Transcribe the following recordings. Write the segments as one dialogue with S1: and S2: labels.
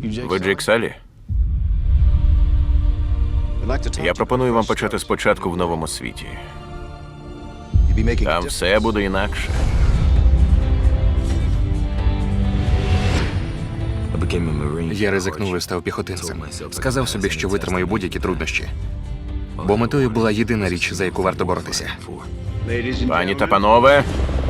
S1: Ви Джейк Салі? Я пропоную вам почати спочатку в новому світі. Там все буде інакше.
S2: Я ризикнув і став піхотинцем. Сказав собі, що витримаю будь-які труднощі. Бо метою була єдина річ, за яку варто боротися.
S1: Пані та панове,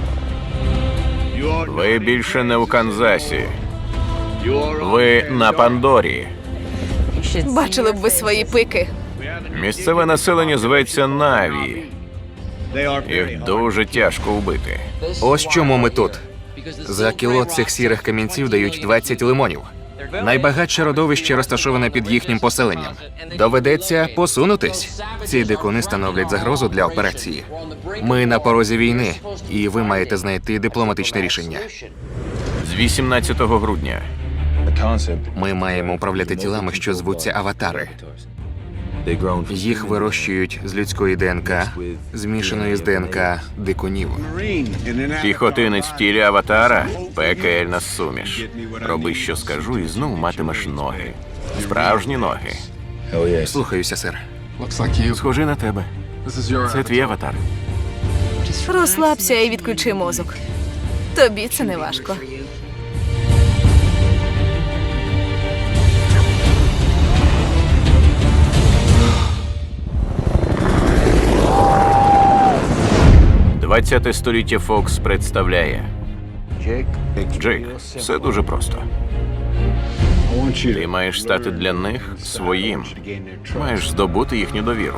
S1: ви більше не у Канзасі. Ви на Пандорі.
S3: Бачили б ви свої пики.
S1: Місцеве населення зветься Наві. Їх дуже тяжко вбити.
S2: Ось чому ми тут. За кіло цих сірих камінців дають 20 лимонів. Найбагатше родовище розташоване під їхнім поселенням. Доведеться посунутись. Ці дикуни становлять загрозу для операції. Ми на порозі війни, і ви маєте знайти дипломатичне рішення.
S1: З 18 грудня.
S2: Ми маємо управляти тілами, що звуться аватари. Їх вирощують з людської ДНК, змішаної з ДНК дикунів.
S1: Піхотинець в тілі аватара – пекельна суміш. Роби, що скажу, і знов матимеш ноги. Справжні ноги.
S2: Слухаюся, сер.
S1: Схожий на тебе. Це твій аватар.
S3: Розслабся і відключи мозок. Тобі це не важко.
S1: ХХ століття Фокс представляє. Джейк, все дуже просто. Ти маєш стати для них своїм. Маєш здобути їхню довіру.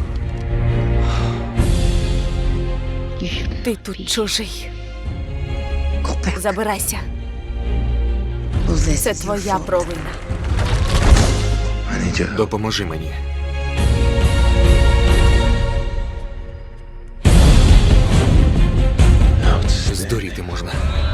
S3: Ти тут чужий. Забирайся. Це твоя провина.
S2: Допоможи мені. Здуріти можна.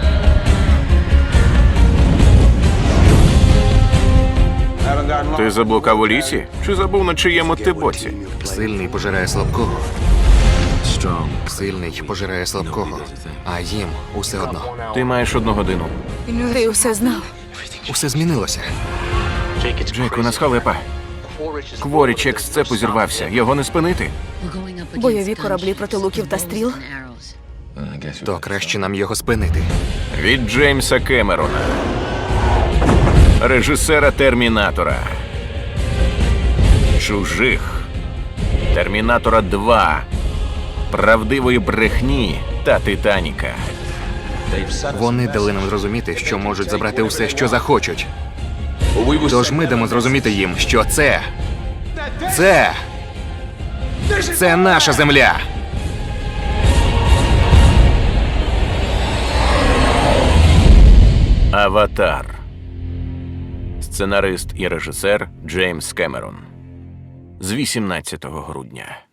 S1: Ти заблукав у лісі? Чи забув, на чиєму ти боці?
S2: Сильний пожирає слабкого. Сильний пожирає слабкого. А їм усе одно.
S1: Ти маєш 1 годину.
S3: Ти усе знав.
S2: Усе змінилося.
S1: Джейк, у нас халепа. Кворічек з цепу зірвався. Його не спинити.
S3: Бойові кораблі проти луків та стріл.
S2: То краще нам його спинити.
S1: Від Джеймса Кемерона, режисера «Термінатора», «Чужих», «Термінатора 2», «Правдивої брехні» та «Титаніка».
S2: Вони дали нам зрозуміти, що можуть забрати усе, що захочуть. Тож ми дамо зрозуміти їм, що це наша земля.
S1: «Аватар». Сценарист і режисер Джеймс Кемерон. З 18 грудня.